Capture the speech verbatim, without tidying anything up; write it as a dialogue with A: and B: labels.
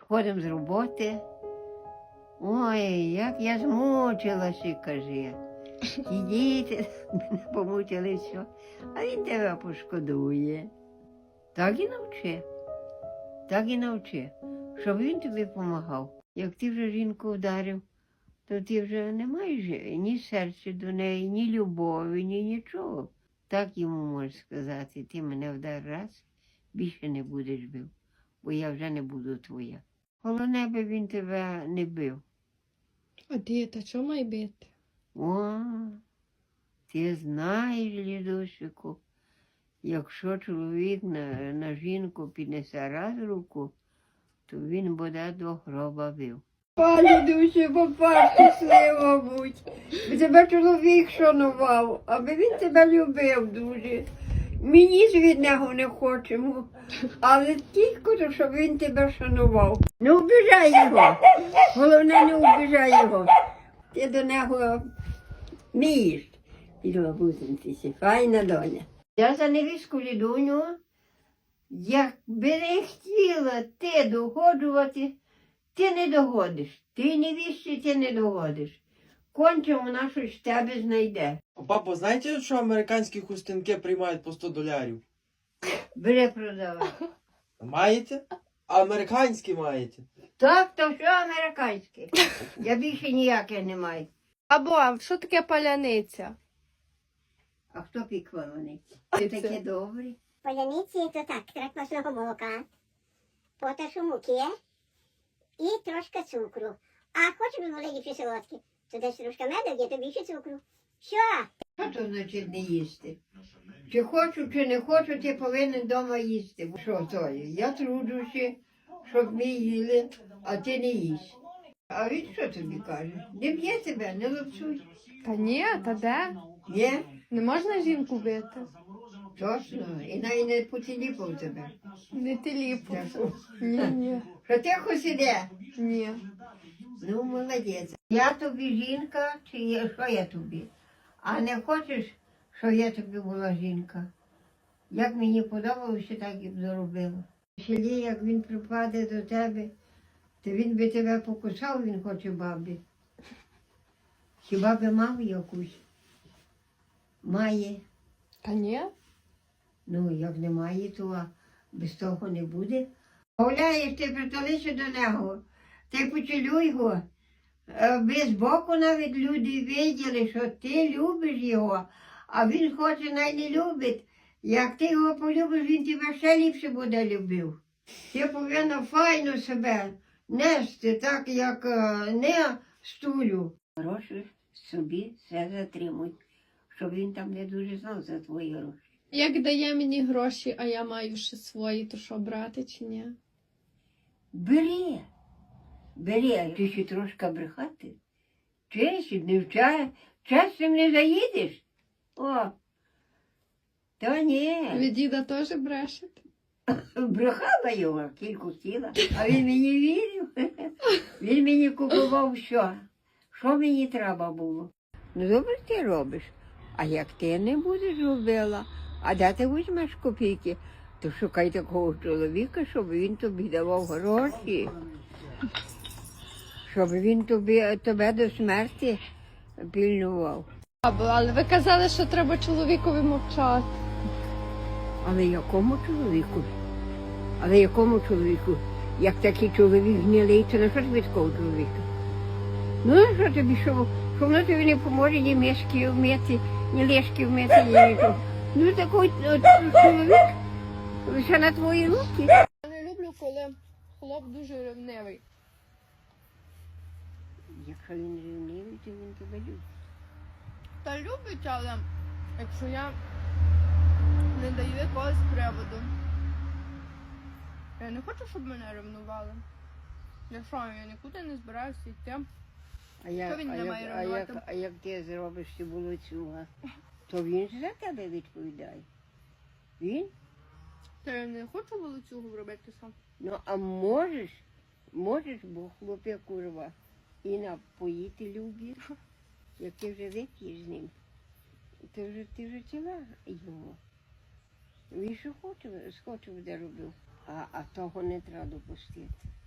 A: приходимо з роботи. Ой, як я змучилася, каже. Ті діти мене помучили все, а він тебе пошкодує. Так і навчи, так і навчи, щоб він тобі допомагав. Як ти вже жінку вдарив, то ти вже не маєш ні серця до неї, ні любові, ні нічого. Так йому можеш сказати, ти мене вдар раз, більше не будеш бив, бо я вже не буду твоя. Головне би він тебе не бив.
B: А діти, що має бити?
A: О, ти знаєш, Лідусику, якщо чоловік на, на жінку піднесе раз руку, то він буде до гроба бив.
C: Пані душі, папа, щаслива будь. Тебе чоловік шанував, аби він тебе любив дуже. Мені ж від нього не хочемо, але тільки, щоб він тебе шанував. Не обіжай його, головне не обіжай його. Ти до нього вмієш. І бабусинці, файна доня.
A: Я за невістку Лідуню, якби не хотіла ти догоджувати, ти не догодиш. Ти невістці ти не догодиш. Конче вона щось в тебе знайде.
D: Папа, знаєте, що американські хустинки приймають по сто долярів?
A: Бери продавай.
D: Маєте? А американські маєте?
A: Так, то все американське. Я більше ніяке не маю.
B: Або, що таке паляниця?
A: А хто пік валониці? Ти таке добрі.
E: Паляниці то так, кракмасного молока, поташу муки і трошки цукру. А хочеш були ліпші солодкі, то десь трошки меду, є то більше цукру. Що?
A: Що то значить не їсти? Чи хочу, чи не хочу, ти повинен вдома їсти. Бо що то є? Я труджуся, щоб ми їли, а ти не їсть. А він що тобі каже? Не б'є тебе, не лапсуй.
B: Та ні, та де?
A: Є?
B: Не можна жінку бити?
A: Точно. І навіть не поціліпав тебе.
B: Не теліпу.
A: Так.
B: Ні, ні,
A: Що тихо сиде?
B: ні.
A: Ну, молодець. Я тобі жінка, чи я, що я тобі? А не хочеш, щоб я тобі була жінка? Як мені подобалося, так і б зробила. В селі, як він припаде до тебе, то він би тебе покусав, він хоче бабі. Хіба би мав якусь? Має.
B: Та ні?
A: Ну, як немає, то без того не буде. Гуляєш, ти притулися до нього, ти поцілуй його. Аби збоку навіть люди виділи, що ти любиш його, а він хоче, най не любить. Як ти його полюбиш, він тебе ще ліпше буде любив. Ти повинна файно себе нести, так як е, не стулю. Гроші собі все затримуй, щоб він там не дуже знав за твої гроші.
B: Як дає мені гроші, а я маю ще свої, то що, брати чи ні?
A: Бери, бери, ти ще трошки брехати. Честь, не вча, часом не заїдеш. О, та ні.
B: Ви діда теж брешете?
A: Брехала його, кілька хотіла, а він мені вірив. Він мені купував що. Що мені треба було? Ну, добре ти робиш. А як ти не будеш робила, а де ти візьмеш копійки, то шукай такого чоловіка, щоб він тобі давав гроші. Щоб він тобі, тебе до смерті пильнував.
B: Або, але ви казали, що треба чоловікові мовчати.
A: Але якому чоловіку? Але якому чоловіку? Як такий чоловік гнилий, то на що тобі такого чоловіка? Ну, на що тобі, що, що воно тобі не поможе ні мішки вмити, ні лишки вмити, ні нічого. Ну, такий от, чоловік лише на твої руки.
B: Я не люблю, коли хлоп дуже ревнивий.
A: Якщо він рівнивий, то він тебе любить.
B: Та любить, але якщо я не даю якогось приводу. Я не хочу, щоб мене ревнували. Я що, я нікуди не збираюся йти.
A: А як,
B: він
A: а,
B: не
A: як,
B: має
A: а, як,
B: ревнувати?
A: а як ти зробиш цю волоцюга, то він ж за тебе відповідає. Він?
B: Та я не хочу волоцюгу робити сам.
A: Ну, а можеш, можеш, бо хлоп'я курва, і напоїти любить, як ти вже вип'єш з ним. Ти вже, ти вже тіла йому. Він що хоче, схоче буде робив, а, а того не треба допустити.